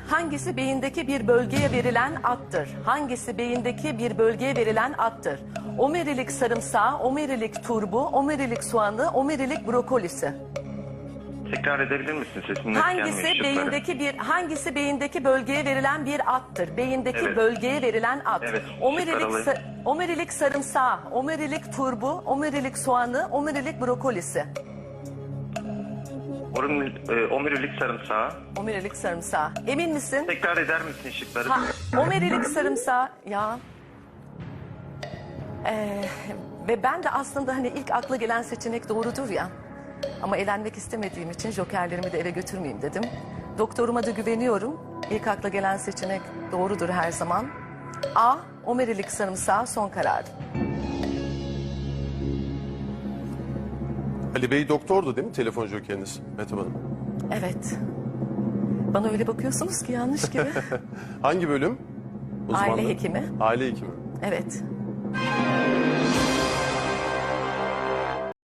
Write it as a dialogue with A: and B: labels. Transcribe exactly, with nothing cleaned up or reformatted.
A: Hangisi beyindeki bir bölgeye verilen addır? Hangisi beyindeki bir bölgeye verilen addır? Omerilik sarımsağı, omerilik turbu, omerilik soğanı, omerilik brokolisi.
B: Tekrar edebilir misin? Sesin net
A: Hangisi
B: gelmiyor şıkları.
A: beyindeki bir hangisi beyindeki bölgeye verilen bir addır? Beyindeki
B: Evet.
A: bölgeye verilen ad.
B: Evet,
A: Omerilik
B: şıkları alayım.
A: sa- omerilik sarımsağı, omerilik turbu, omerilik soğanı, omerilik brokolisi.
B: Omurilik, e, omurilik sarımsağı.
A: Omerilik sarımsağı. Emin misin?
B: Tekrar eder misin şıkları?
A: Ha, omerilik sarımsağı ya. Ee, ve ben de aslında hani ilk akla gelen seçenek doğrudur ya. Ama elenmek istemediğim için jokerlerimi de ele götürmeyeyim dedim. Doktoruma da güveniyorum. İlk akla gelen seçenek doğrudur her zaman. A. Omerilik sarımsağı son karar.
C: Ali Bey doktordu değil mi telefon jokeriniz Mehtap Hanım?
A: Evet. Bana öyle bakıyorsunuz ki yanlış gibi.
C: Hangi bölüm?
A: Aile
C: Uzmanlığı?
A: hekimi.
C: Aile hekimi.
A: Evet.